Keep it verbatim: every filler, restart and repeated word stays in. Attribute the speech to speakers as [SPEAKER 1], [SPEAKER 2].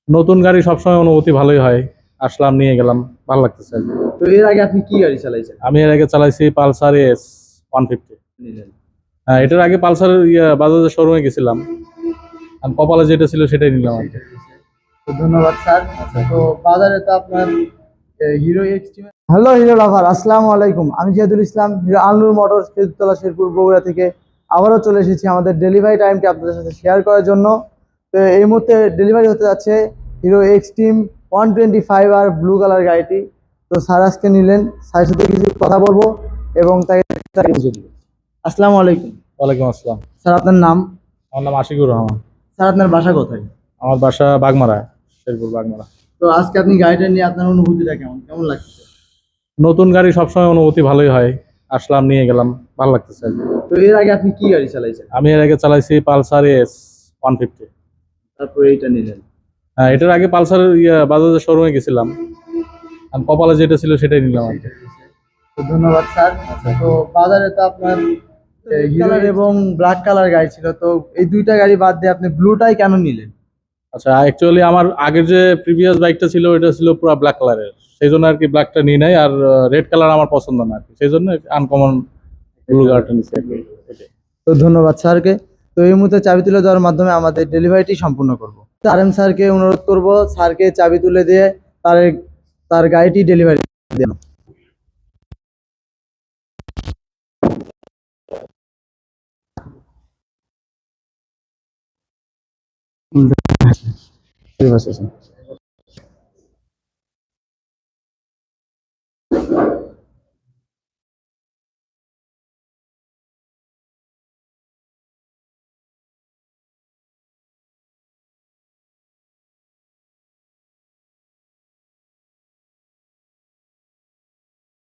[SPEAKER 1] নতুন গাড়ি সবসময় অনুভূতি ভালোই হয়। আসলাম, নিয়ে গেলাম, ভালো লাগতেছে আর কি।
[SPEAKER 2] তো এর আগে আপনি কি গাড়ি চালাইছেন?
[SPEAKER 1] আমি এর আগে চালাইছি পালসার এস ওয়ান ফিফটি।
[SPEAKER 2] নিলেন।
[SPEAKER 1] হ্যাঁ, এটার আগে পালসার ইয়া বাজাজের শোরুমে গেছিলাম, আর কপালে যেটা ছিল সেটাই নিলাম আর কি।
[SPEAKER 2] তো ধন্যবাদ স্যার। তো বাজারে তো আপনার Hero Xtreme. Hello Hero lover, আসসালামু আলাইকুম। আমি জিয়াদুল ইসলাম, হিরো আলনুর মোটরস, খেজুরতলা, শেরপুর, বগুড়া থেকে আবারও চলে এসেছি আমাদের ডেলিভারি টাইমটি আপনাদের সাথে শেয়ার করার জন্য। তো এই মুহূর্তে ডেলিভারি হতে যাচ্ছে Hero Xtreme one twenty five আর ব্লু কালার গাড়িটি। তো স্যার আজকে নিলেন, স্যারের সাথে কিছু কথা বলবো এবং তাকে তাকে বুঝে দিব। আসসালামু আলাইকুম।
[SPEAKER 1] ওয়ালাইকুম আসসালাম।
[SPEAKER 2] স্যার আপনার নাম?
[SPEAKER 1] আমার নাম আশিকুর রহমান।
[SPEAKER 2] স্যার আপনার বাসা কোথায়?
[SPEAKER 1] আমার বাসা বাগমারা, শেরপুর বাগমারা।
[SPEAKER 2] তো আজকে আপনি গাড়িটা নিয়ে আপনার অনুভূতিটা কেমন কেমন লাগছে?
[SPEAKER 1] নতুন গাড়ি সবসময় অনুভূতি ভালোই হয়। আসলাম, নিয়ে গেলাম, ভালো লাগতেছে আর কি।
[SPEAKER 2] তো এর আগে আপনি কি গাড়ি চালাইছেন?
[SPEAKER 1] আমি এর আগে চালাইছি পালসার এস ওয়ান ফিফটি।
[SPEAKER 2] তারপরে এইটা নিলেন।
[SPEAKER 1] হ্যাঁ, এটার আগে পালসার ইয়া বাজাজের শোরুমে গেছিলাম, আর কপালে যেটা ছিল সেটাই নিলাম আর কি।
[SPEAKER 2] তো ধন্যবাদ স্যার। তো বাজারে তো আপনার কালার এবং ব্ল্যাক কালার গাড়ি ছিল, তো এই দুইটা গাড়ি বাদ দিয়ে আপনি ব্লুটাই কেন নিলেন?
[SPEAKER 1] আচ্ছা, অ্যাকচুয়ালি আমার আগের যে প্রিভিয়াস বাইকটা ছিল ওটা ছিল পুরো ব্ল্যাক কালারের, সেই জন্য আর কি ব্ল্যাকটা নিয়ে নাই। আর রেড কালার আমার পছন্দ না আর কি, সেই জন্য আনকমন ব্লু কালারটা নিচ্ছি আর কি। এটাই।
[SPEAKER 2] তো ধন্যবাদ স্যারকে। তো এই মুহূর্তে চাবি তুলে দেওয়ার মাধ্যমে আমাদের ডেলিভারিটি সম্পূর্ণ করব। আর এম স্যারকে অনুরোধ করব স্যারকে চাবি তুলে দিয়ে তার তার গাড়িটি ডেলিভারি দেন। ঠিক আছে।